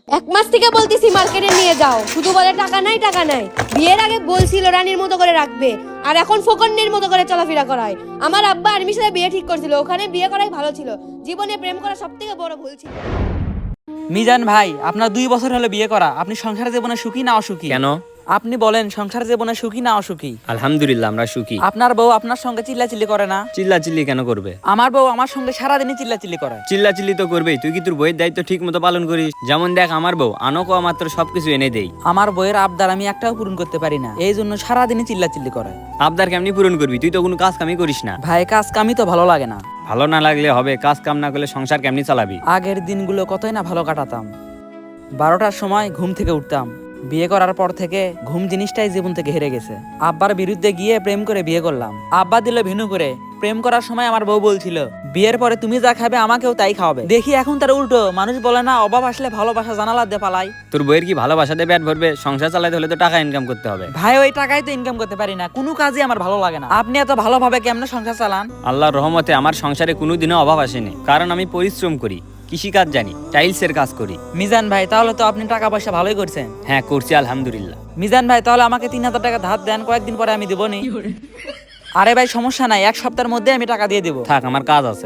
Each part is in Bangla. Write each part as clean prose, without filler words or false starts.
এক মাস থেকে বলতেছি মার্কেটে নিয়ে যাও, শুধু বলে টাকা নাই টাকা নাই। বিয়ের আগে বলছিল রানীর মতো করে রাখবে, আর এখন ফকন্নের মতো করে চলাফেরা করায়। আমার আব্বা আর্মির সাথে বিয়ে ঠিক করছিল, ওখানে বিয়ে করাই ভালো ছিল। জীবনে প্রেম করা সবথেকে বড় ভুল ছিল। মিজান ভাই, আপনার 2 বছর হলো বিয়ে করা, আপনি সংসার জীবনে সুখী না অসুখী? কেন? আপনি বলেন, সংসার জীবনে সুখী না অসুখী? আলহামদুলিল্লাহ আমরা সুখী। আপনার বউ আপনার সঙ্গে চিল্লাচিল্লি করে না? চিল্লাচিল্লি কেন করবে? আমার বউ আমার সঙ্গে সারাদিনই চিল্লাচিল্লি করে। চিল্লাচিল্লি তো করবেই, তুই কি তোর বইয়ের দায়িত্ব ঠিক মতো পালন করিস? যেমন দেখ, আমার বউ আনকো মাত্র সবকিছু এনে দেই। আমার বউয়ের আবদার আমি একটাও পূরণ করতে পারি না, এই জন্য সারাদিনই চিল্লাচিল্লি করে। আবদার কেমনি পূরণ করবি? তুই তো কোনো কাজ কামই করিস না। ভাই, কাজ কামই তো ভালো লাগে না। ভালো না লাগলে হবে? কাজ কাম না করলে সংসার কেমনি চালাবি? আগের দিনগুলো কতই না ভালো কাটাতাম। 12টার সময় ঘুম থেকে উঠতাম। বিয়ে করার পর থেকে ঘুম জিনিসটাই জীবন থেকে হেরে গেছে। আব্বার বিরুদ্ধে গিয়ে প্রেম করে বিয়ে করলাম। আব্বা দিল ভিনু করে। প্রেম করার সময় আমার বউ বলছিল, বিয়ের পরে তুমি যা খাবে আমাকেও তাই খাওয়াবে। দেখি এখন তার উল্টো। মানুষ বলে না, অভাব আসলে ভালোবাসা জানালা দিয়ে পালাই। তোর বইয়ের কি ভালোবাসাতে পেট ভরবে? সংসার চালাতে হলে তো টাকা ইনকাম করতে হবে। ভাই, ওই টাকাই তো ইনকাম করতে পারি না, কোনো কাজই আমার ভালো লাগে না। আপনি এত ভালোভাবে কেমনে সংসার চালান? আল্লাহর রহমতে আমার সংসারে কোনোদিনও অভাব আসেনি, কারণ আমি পরিশ্রম করি, কৃষিকাজ জানি, টাইলসের কাজ করি। মিজান ভাই, তাহলে তো আপনি টাকা পয়সা ভালোই করছেন। হ্যাঁ, করছি আলহামদুলিল্লাহ। মিজান ভাই, তাহলে আমাকে 3000 টাকা ধার দেন, কয়েকদিন পরে আমি দেবো নি। আরে ভাই, সমস্যা নাই, 1 সপ্তাহের মধ্যে আমি টাকা দিয়ে দেবো। থাক, আমার কাজ আছে।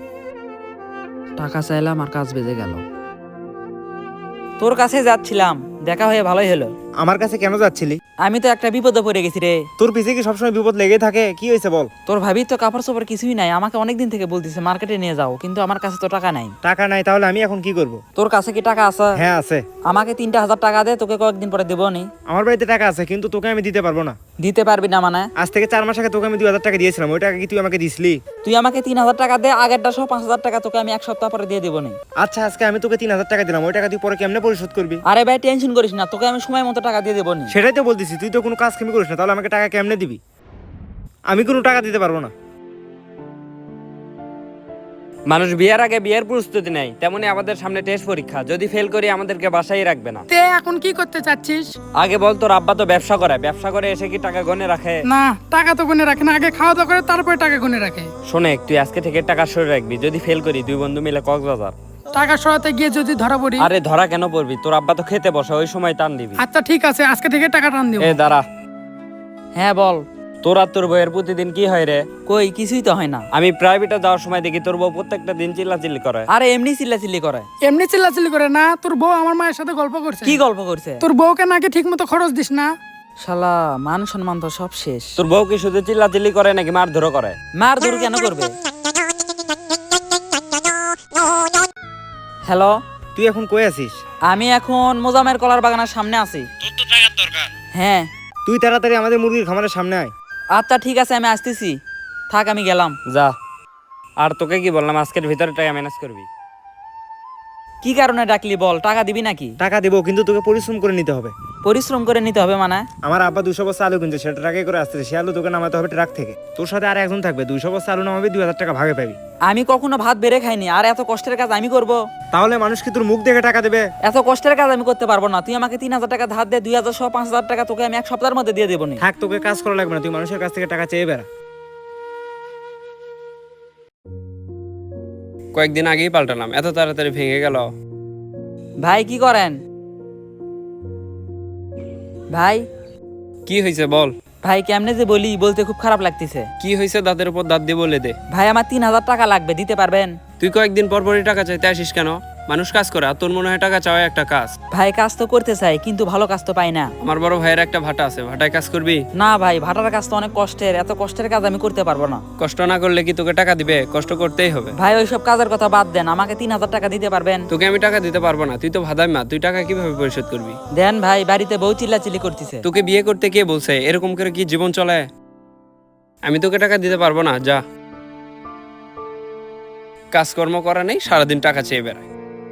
টাকা চাইলাম আর কাজ বেজে গেল। তোর কাছে যাচ্ছিলাম, দেখা হয়ে ভালোই হলো। আমার কাছে কেন যাচ্ছিলি? আমি তো একটা বিপদে পড়ে গেছি রে। তোর পিছে কি সবসময় বিপদ লেগে থাকে? কি হয়েছে বল? তোর ভাবি তো কাপড় চোপড় কিছুই নাই, আমাকে অনেকদিন থেকে বলতেছে মার্কেটে নিয়ে যাও, কিন্তু আমার কাছে তো টাকা নাই। টাকা নাই? তাহলে আমি এখন কি করব? তোর কাছে কি টাকা আছে? হ্যাঁ আছে। আমাকে 3000 টাকা দে, তোকে কয়েকদিন পরে দেবো নি। আমার বাড়িতে টাকা আছে, কিন্তু তোকে আমি দিতে পারবো না। দিতে পারবি না মানে? আজ থেকে 4 মাস আগে তোকে আমি 2000 টাকা দিয়েছিলাম, ওই টাকা কি তুই আমাকে দিসলি? তুই আমাকে 3000 টাকা দে, আগেরটা সহ 5000 টাকা তোকে আমি 1 সপ্তাহ পরে দিয়ে দেবো নি। আচ্ছা, আজকে আমি তোকে 3000 টাকা দিলাম, ওই টাকা তুই পরে কেমনে পরিশোধ করবি? আরে ভাই, টেনশন করিস না, তোকে আমি সময় মতো টাকা দিয়ে দেবো নি। সেটাই তো বলতেছি, তুই তো কোনো কাজ কামি করিস না, তাহলে আমাকে টাকা কেমনে দিবি? আমি কোনো টাকা দিতে পারবো না। মানুষ বিয়ের আগে বিয়ের প্রস্তুতি নেয়, তেমনি আমাদের সামনে টেস্ট পরীক্ষা। যদি ফেল করি আমাদেরকে বাসায় রাখবে না। তে এখন কি করতে চাচ্ছিস? আগে বল, তোর আব্বা তো ব্যবসা করে, ব্যবসা করে এসে কি টাকা গনে রাখে? না, টাকা তো গুনে রাখে না, আগে খাওয়া দাওয়া করে তারপরে টাকা গুনে রাখে। শোনে, তুই আজকে থেকে টাকা সরে রাখবি। যদি ফেল করি 2 বন্ধু মিলে কক্সবাজার। টাকা সরাতে গিয়ে যদি ধরা পড়ি? আরে ধরা কেন পড়বি? তোর আব্বা তো খেতে বসে, ওই সময় টান দিবি। আচ্ছা ঠিক আছে, আজকে থেকে টাকা টান দিব। এ দাঁড়া, হ্যাঁ বল। তোর আর তোর বউয়ের প্রতিদিন কি হয় রে? কই, কিছুই তো হয় না। আমি প্রাইভেটে যাওয়ার সময় দেখি তোর বউ প্রত্যেকটা দিন চিল্লাচিল্লি করে। আরে এমনি চিল্লাচিল্লি করে। এমনি চিল্লাচিল্লি করে না, তোর বউ আমার মায়ের সাথে গল্প করছে। কি গল্প করছে? তোর বউকে নাকি ঠিক মতো খরচ দিস না। শালা, মান সম্মান তো সব শেষ। তোর বউ কি শুধু চিল্লাচিল্লি করে নাকি মারধরও করে? মার ধর কেন করবে? হ্যালো, তুই এখন কই আছিস? আমি এখন মোজামের কলার বাগানের সামনে আছি। তোর তো টাকার দরকার। হ্যাঁ। তুই তাড়াতাড়ি আমাদের মুরগির খামারের সামনে আয়। আচ্ছা ঠিক আছে, আমি আসতেছি। থাক, আমি গেলাম। যা। আর তোকে কি বললাম, আজকের ভিতরে টাকা ম্যানেজ করবি। কি কারণে ডাকলি বল, টাকা দিবি নাকি? টাকা দেবো, কিন্তু তোকে পরিশ্রম করে নিতে হবে। পরিশ্রম করে নিতে হবে মানে? আমার আব্বা 200 বস্তা আলু কিনছে, সেটা ট্রাকে করে আসতেছে, সে আলু তোকে নামাতে হবে ট্রাক থেকে। তোর সাথে আর একজন থাকবে, 200 বস্তা আলু নামাবি, 2000 টাকা ভাগে পাবি। আমি কখনো ভাত বেড়ে খাইনি, আর এত কষ্টের কাজ আমি করব? তাহলে মানুষ কি তোর মুখ দেখে টাকা দেবে? এত কষ্টের কাজ আমি করতে পারবো না। তুই আমাকে 3000 টাকা ধার দে, 2000 সহ 5000 টাকা তোকে আমি 1 সপ্তাহের মধ্যে দিয়ে দেবো নি। থাক, তোকে কাজ করা লাগবে না, তুই মানুষের কাছ থেকে টাকা চেয়ে বেড়া। কয়েকদিন আগেই পাল্টালাম, এত তাড়াতাড়ি ভেঙে গেল। ভাই কি করেন? ভাই, কি হয়েছে বল? ভাই কেমনে যে বলি, বলতে খুব খারাপ লাগতেছে। কি হয়েছে? দাঁতের উপর দাঁত দিয়ে বলে দে। ভাই, আমার 3000 টাকা লাগবে, দিতে পারবেন? তুই কয়েকদিন পর পরই টাকা চাইতে আসিস কেন? মানুষ কাজ করে, আর তোর মনে হয় টাকা চাওয়া একটা কাজ? ভাই, কাজ তো করতে চাই, কিন্তু ভালো কাজ তো পাই না। আমার বড় ভাইয়ের একটা ভাটা আছে, ভাটায় কাজ করবি? না ভাই, ভাটার কাজ তো অনেক কষ্টের, এত কষ্টের কাজ আমি করতে পারবো না। কষ্ট না করলে কি তোকে টাকা দিবে? কষ্ট করতেই হবে। ভাই, ওইসব কাজের কথা বাদ দেন, আমাকে 3000 টাকা দিতে পারবেন? তোকে আমি টাকা দিতে পারবো না, তুই তো ভাদাই মা, তুই টাকা কিভাবে পরিশোধ করবি? দেন ভাই, বাড়িতে বউ চিল্লাচিল্লি করতেছে। তোকে বিয়ে করতে কে বলছে? এরকম করে কি জীবন চলে? আমি তোকে টাকা দিতে পারবো না, যা। কাজকর্ম করা নেই, সারাদিন টাকা চেয়ে বেড়ায়।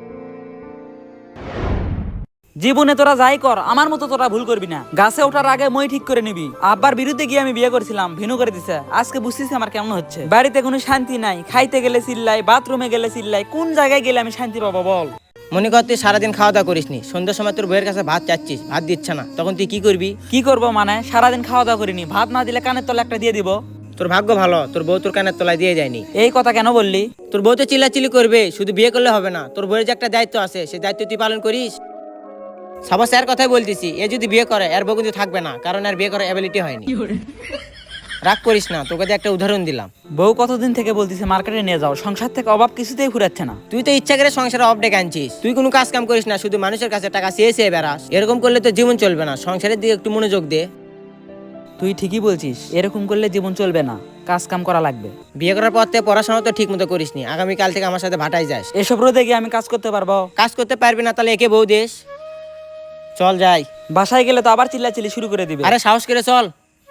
জীবনে তোরা যাই কর, আমার মতো তোরা ভুল করবি না। গাছে ওঠার আগে মই ঠিক করে নিবি। আব্বার বিরুদ্ধে গিয়ে আমি বিয়ে করেছিলাম, ভিনু করে দিছে। আজকে বুঝতেছি আমার কেমন হচ্ছে। বাড়িতে কোনো শান্তি নাই, খাইতে গেলে চিল্লাই, বাথরুমে গেলে চিল্লাই। কোন জায়গায় গেলে আমি শান্তি পাবো বল? মনে কর তুই সারাদিন খাওয়া দাওয়া করিসনি, সন্ধ্যার সময় তোর বইয়ের কাছে ভাত চাচ্ছিস, ভাত দিচ্ছে না, তখন তুই কি করবি? কি করবো মানে? সারাদিন খাওয়া দাওয়া করিনি, ভাত না দিলে কানের তলে একটা দিয়ে দিব। তোর ভাগ্য ভালো, তোর বউ তোর কানের তলায় দিয়ে যায়নি। এই কথা কেন বললি? তোর বউ তো চিল্লাচিল্লি করবে, শুধু বিয়ে করলে হবে না, তোর বইয়ের যে একটা দায়িত্ব আছে, সেই দায়িত্ব তুই পালন করিস। সবার স্যার কথাই বলতেছি, এ যদি বিয়ে করে এর বউ কিন্তু থাকবে না, কারণ আর বিয়ে করার অ্যাবিলিটি হয়নি। রাগ করিস না, তোকে দিয়ে একটা উদাহরণ দিলাম। বউ কতদিন থেকে বলতেছে মার্কেটে নিয়ে যাও, সংসার থেকে অভাব কিছুতেই ফুরাচ্ছে না। তুই তো ইচ্ছা করে সংসারে অফ ডেকে আনছিস, তুই কোনো কাজ কাম করিস না, শুধু মানুষের কাছে টাকা চেয়ে চেয়ে বেড়াস। এরকম করলে তো জীবন চলবে না, সংসারের দিকে একটু মনোযোগ দে। তুই ঠিকই বলছিস, এরকম করলে জীবন চলবে না, কাজ কাম করা লাগবে। বিয়ে করার পর থেকে পড়াশোনা তো ঠিক মতো করিসনি, আগামীকাল থেকে আমার সাথে ভাটাই যাস। এসব রোদে গিয়ে আমি কাজ করতে পারবো? কাজ করতে পারবি না তাহলে একে বউ দেশ। চল যাই। বাসায় গেলে তো আবার চিল্লাচিল্লি শুরু করে দিবে। আরে সাহস করে চল।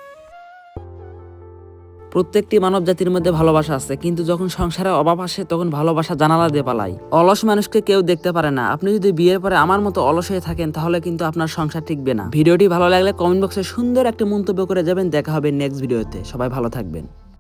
প্রত্যেকটি মানব জাতির মধ্যে ভালোবাসা আছে, কিন্তু যখন সংসারে অভাব আসে তখন ভালোবাসা জানালা দিয়ে পালাই। অলস মানুষকে কেউ দেখতে পারে না। আপনি যদি বিয়ের পরে আমার মতো অলস হয়ে থাকেন তাহলে কিন্তু আপনার সংসার টিকবে না। ভিডিওটি ভালো লাগলে কমেন্ট বক্সে সুন্দর একটা মন্তব্য করে যাবেন। দেখা হবে নেক্সট ভিডিওতে। সবাই ভালো থাকবেন।